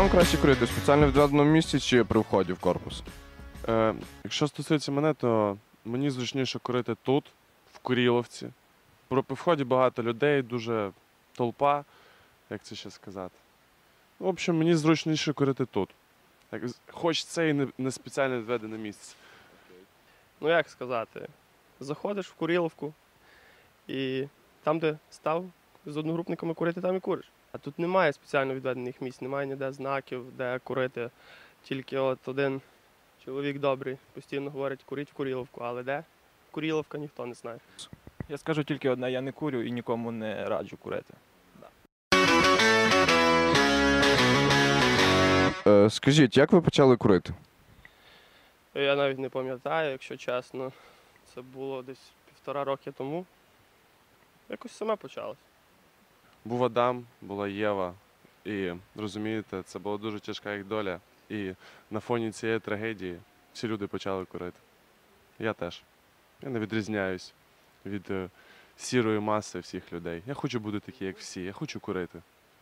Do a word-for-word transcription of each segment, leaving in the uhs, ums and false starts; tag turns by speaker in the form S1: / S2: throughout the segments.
S1: вам краще курити? В спеціально відведеному місці чи при вході в корпус?
S2: Е, якщо стосується мене, то мені зручніше курити тут, в Куріловці. При вході багато людей, дуже толпа, як це ще сказати. В общем, мені зручніше курити тут. Хоч це і не, не спеціально відведене місце.
S3: Ну як сказати, заходиш в Куріловку і там, де став з одногрупниками курити, там і куриш. А тут немає спеціально відведених місць, немає ніде знаків, де курити. Тільки от один чоловік добрий постійно говорить, куріть в Куріловку, але де? Куріловка ніхто не знає.
S4: Я скажу тільки одне, я не курю і нікому не раджу курити.
S1: Е, скажіть, як ви почали курити?
S3: Я навіть не пам'ятаю, якщо чесно. Це було десь півтора роки тому. Якось саме почалось.
S2: Був Адам, була Єва. І, розумієте, це була дуже тяжка їх доля. І на фоні цієї трагедії всі люди почали курити. Я теж. Я не відрізняюсь від е, сірої маси всіх людей. Я хочу бути такий, як всі. Я хочу курити.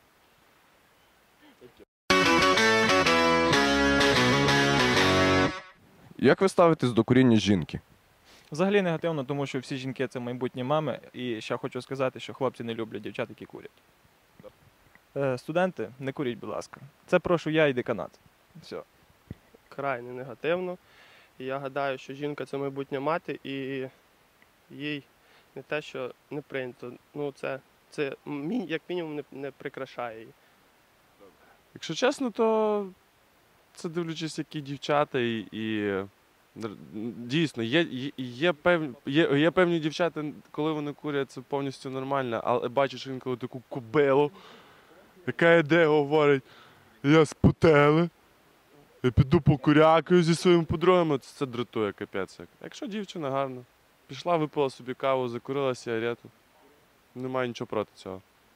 S1: Як ви ставитесь до куріння жінки?
S4: Взагалі негативно, тому що всі жінки – це майбутні мами. І ще хочу сказати, що хлопці не люблять дівчат, які курять. Е, студенти, не куріть, будь ласка. Це прошу я і деканат. Все.
S3: Крайне негативно. І я гадаю, що жінка – це майбутня мати, і їй не те, що не прийнято. Ну, це, це як мінімум не, не прикрашає її.
S2: Якщо чесно, то це дивлячись, які дівчата і, і дійсно, є, є, є, певні, є, є певні дівчата, коли вони курять, це повністю нормально, але бачиш інколи таку кобилу, яка йде, говорить, я з Путели, я піду покурякаю зі своїми подругами, це, це дратує капець. Якщо дівчина гарна, пішла, випила собі каву, закурила сигарету, немає нічого проти цього.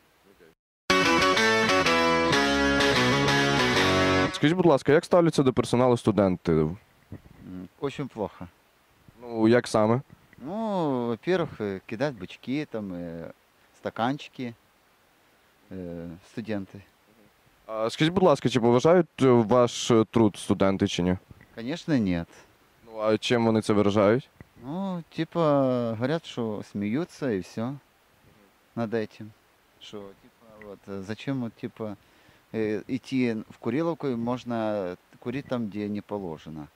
S1: Скажіть, будь ласка, як ставляться до персоналу студенти?
S5: Очень плохо.
S1: Ну, як саме?
S5: Ну, во-первых, кидать бычки, там, э, стаканчики э, студенты.
S1: А скажіть, будь ласка, чи поважають ваш труд студенти чи ні?
S5: Конечно, нет.
S1: Ну, а чим вони це виражають?
S5: Ну, типа, говорят, что смеются и все над этим. Что, типа, вот, зачем, вот, типа, э, идти в Куриловку, и можно курить там, где не положено.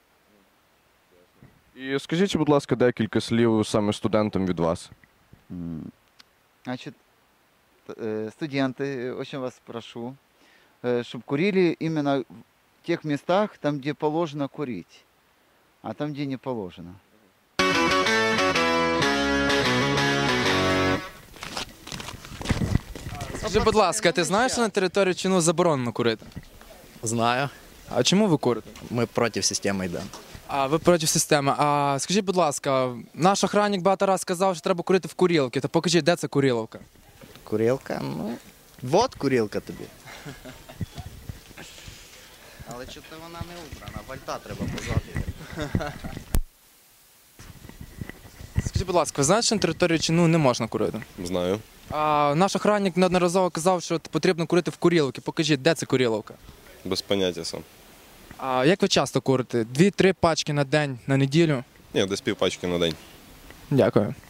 S1: І скажіть, будь ласка, декілька слів саме студентам від вас.
S5: Значит, студенты, очень вас прошу, чтобы курили именно в тех местах, там, где положено курить, а там, где не положено.
S6: Скажи, будь ласка, ти знаєш, що на території ЧНУ заборонено курити?
S7: Знаю.
S6: А чому ви курите?
S7: Ми проти системи йдемо.
S6: А ви проти системи. А скажіть, будь ласка, наш охранник багато разів сказав, що треба курити в Куріловці. То покажіть, де це Куріловка?
S7: Курілка? Ну, вот курілка тобі. Але чого вона не убрана? Вальта треба позаду.
S6: Скажіть, будь ласка, ви знаєте, що на території ЧНУ не можна курити?
S8: Знаю.
S6: А наш охранник неодноразово казав, що потрібно курити в Куріловці. Покажіть, де це Куріловка?
S8: Без поняття сам.
S6: А як ви часто курите? Дві-три пачки на день, на неділю?
S8: Ні, десь півпачки на день.
S6: Дякую.